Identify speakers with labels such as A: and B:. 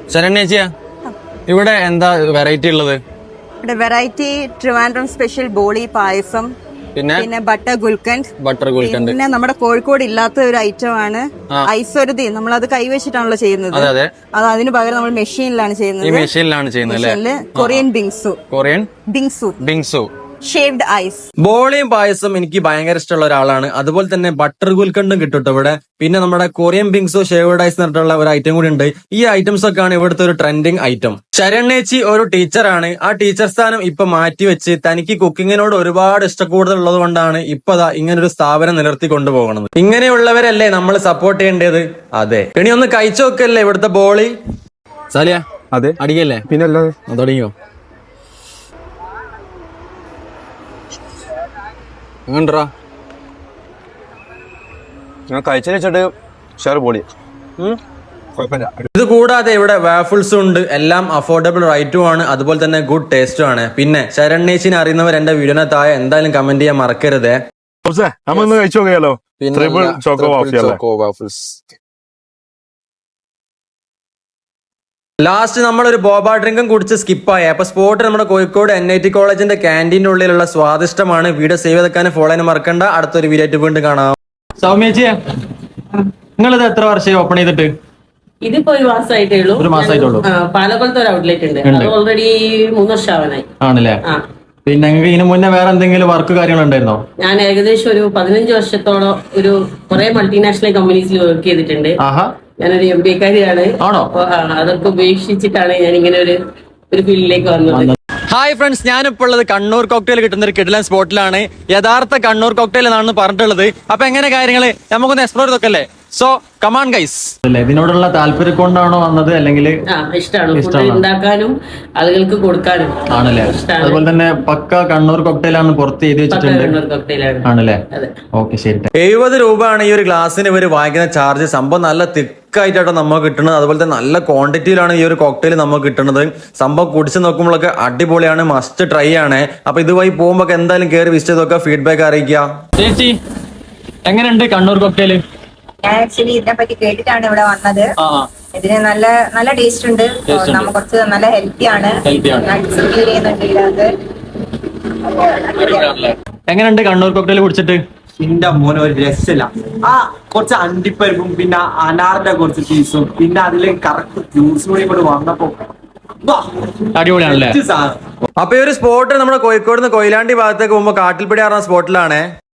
A: ശരണ്യേച്ചിയാ, ഇവിടെ എന്താ വെറൈറ്റി ഉള്ളത്?
B: ഇവിടെ വെറൈറ്റി ട്രിവാൻഡ്രം സ്പെഷ്യൽ ബോളി പായസം, പിന്നെ ബട്ടർ ഗുൽക്കൻഡ്. പിന്നെ നമ്മുടെ കോഴിക്കോട് ഇല്ലാത്ത ഒരു ഐറ്റം ആണ് ഐശ്വരതി. നമ്മൾ അത് കൈവച്ചിട്ടാണല്ലോ ചെയ്യുന്നത്. അത് അതിന് പകരം നമ്മൾ മെഷീനിലാണ് ചെയ്യുന്നത്. Korean bingsu shaved ice.
C: ബോളിയും പായസം എനിക്ക് ഭയങ്കര ഇഷ്ടമുള്ള ഒരാളാണ്. അതുപോലെ തന്നെ ബട്ടർ ഗുൽക്കണ്ടും കിട്ടും ഇവിടെ. പിന്നെ നമ്മുടെ കൊറിയൻ ബിങ്സോ ഷേവ്ഡ് ഐസ് എന്നിട്ടുള്ള ഒരു ഐറ്റം കൂടി ഉണ്ട്. ഈ ഐറ്റംസ് ഒക്കെയാണ് ഇവിടുത്തെ ഒരു ട്രെൻഡിങ് ഐറ്റം. ശരണ്യേച്ചി ഒരു ടീച്ചറാണ്. ആ ടീച്ചർ സ്ഥാനം ഇപ്പൊ മാറ്റിവെച്ച് തനിക്ക് കുക്കിങ്ങിനോട് ഒരുപാട് ഇഷ്ടക്കൂടുതൽ ഉള്ളത് കൊണ്ടാണ് ഇപ്പൊ ഇങ്ങനൊരു സ്ഥാപനം നിലർത്തി കൊണ്ടുപോകുന്നത്. ഇങ്ങനെയുള്ളവരല്ലേ നമ്മൾ സപ്പോർട്ട് ചെയ്യേണ്ടത്? അതെ, ഇനി ഒന്ന് കഴിച്ചു നോക്കല്ലേ ഇവിടുത്തെ ബോളി.
A: സാലിയ, അതെ അടിക്കല്ലേ? പിന്നെ തുടങ്ങിയോ? എങ്ങണ്ടാ ഞാൻ കഴിച്ചിട്ട് ഷെയർ പൊളി.
C: ഇത് കൂടാതെ ഇവിടെ വാഫിൾസും ഉണ്ട്. എല്ലാം അഫോർഡബിൾ റേറ്റും ആണ്, അതുപോലെ തന്നെ ഗുഡ് ടേസ്റ്റും ആണ്. പിന്നെ ശരണ്യേച്ചിനെ അറിയുന്നവർ എന്റെ വീഡിയോനെ താഴെ എന്തായാലും കമന്റ് ചെയ്യാൻ മറക്കരുത്.
D: കഴിച്ചു നോക്കിയാലോ? Choco waffles.
C: ലാസ്റ്റ് നമ്മളൊരു ബോബ ഡ്രിങ്കും കുടിച്ച് സ്കിപ്പായി. അപ്പൊ സ്പോട്ട് നമ്മുടെ കോഴിക്കോട് NIT കോളേജിന്റെ ക്യാൻറ്റീൻ്റെ ഉള്ളിലുള്ള സ്വാദിഷ്ടമാണ്. വീഡിയോ സേവ് ചെയ്തെക്കാൻ ഫോളോ ചെയ്യാൻ മറക്കണ്ട. അടുത്തൊരു വീഡിയോ ആയിട്ട് വീണ്ടും കാണാം.
A: സൗമ്യേച്ചിയെ, നിങ്ങളിത് എത്ര വർഷമായി ഓപ്പൺ ചെയ്തിട്ട്?
E: ഇതിപ്പോ ഒരു മാസമായിട്ടുള്ളൂ. പാലക്കൊളത്ത് ഒരു ഔട്ട്ലെറ്റ് ഉണ്ട്. അത് ഓൾറെഡി 3 വർഷം ആവാനായി.
A: ആണല്ലേ? പിന്നെ നിങ്ങൾക്ക് ഇതിനു മുന്നേ വേറെ എന്തെങ്കിലും വർക്ക് കാര്യങ്ങൾ ഉണ്ടായിരുന്നോ?
E: ഞാൻ ഏകദേശം ഒരു 15 വർഷത്തോളം ഒരു കുറെ മൾട്ടിനാഷണൽ കമ്പനീസിൽ വർക്ക് ചെയ്തിട്ടുണ്ട്. ഞാനൊരു MBA കാരിയാണ്. അതൊക്കെ ഉപേക്ഷിച്ചിട്ടാണ് ഞാൻ ഇങ്ങനെ ഒരു ഫീൽഡിലേക്ക് വന്നത്.
C: ഹായ് ഫ്രണ്ട്സ്, ഞാനിപ്പോൾ ഉള്ളത് കണ്ണൂർ കോക്ടെയിൽ കിട്ടുന്ന ഒരു കിടിലൻ സ്പോട്ടിലാണ്. യഥാർത്ഥ കണ്ണൂർ കോക്ടെയിൽ എന്നാണ് പറഞ്ഞിട്ടുള്ളത്. അപ്പൊ എങ്ങനെ കാര്യങ്ങള് നമുക്കൊന്ന് എക്സ്പ്ലോർ ചെയ്തൊക്കെ. So come on guys.
A: ഇതിനോടുള്ള താല്പര്യം കൊണ്ടാണോ വന്നത്, അല്ലെങ്കിൽ
E: ഇഷ്ടമാണ് ഉണ്ടാക്കാനും ആളുകൾക്ക് കൊടുക്കാനും?
A: ആണല്ലേ? അതുപോലെ തന്നെ പക്ക കണ്ണൂർ കോക്ടെയിലാണ് പുറത്ത് എഴുതി വെച്ചിട്ടുണ്ട്. ആണല്ലേ? ഓക്കെ, ശരി.
C: 70 രൂപയാണ് ഈ ഒരു ഗ്ലാസ്സിന് ഇവർ വാങ്ങിക്കുന്ന ചാർജ്. സംഭവം നല്ല തിക്കായിട്ടാണ് നമുക്ക് കിട്ടുന്നത്. അതുപോലെ തന്നെ നല്ല ക്വാണ്ടിറ്റിയിലാണ് ഈ ഒരു കോക്ടെയിൽ നമുക്ക് കിട്ടുന്നത്. സംഭവം കുടിച്ച് നോക്കുമ്പോഴൊക്കെ അടിപൊളിയാണ്, മസ്റ്റ് ട്രൈ ആണ്. അപ്പൊ ഇതുവഴി പോകുമ്പോ എന്തായാലും കയറി വിസിറ്റ് ചെയ്തൊക്കെ ഫീഡ്ബാക്ക് അറിയിക്കുക.
A: ചേച്ചി, എങ്ങനെയുണ്ട് കണ്ണൂർ കോക്ടെയിൽ?
F: ഞാൻ ആക്ച്വലി ഇതിനെ പറ്റി കേട്ടിട്ടാണ് ഇവിടെ വന്നത്. ഇതിന് നല്ല ടേസ്റ്റ് ഉണ്ട്. നമുക്ക് കുറച്ച് നല്ല ഹെൽത്തി ആണ്.
A: എങ്ങനെയുണ്ട് കണ്ണൂർ കോക്ടെയിൽ കുടിച്ചിട്ട്?
G: എന്റെ മോനെ ഒരു രസമില്ല. കുറച്ച് അണ്ടിപ്പരിപ്പും പിന്നെ അനാറിന്റെ കുറച്ച് പീസും പിന്നെ അതില് കറക്റ്റ് ജ്യൂസും കൂടി വന്നപ്പോ
A: അടിപൊളിയാണല്ലേ?
C: അപ്പൊ ഈ ഒരു സ്പോട്ട് നമ്മുടെ കോഴിക്കോട് നിന്ന് കൊയിലാണ്ടി ഭാഗത്തേക്ക് പോകുമ്പോ കാട്ടിൽപ്പടി ആറുന്ന സ്പോട്ടിലാണ്.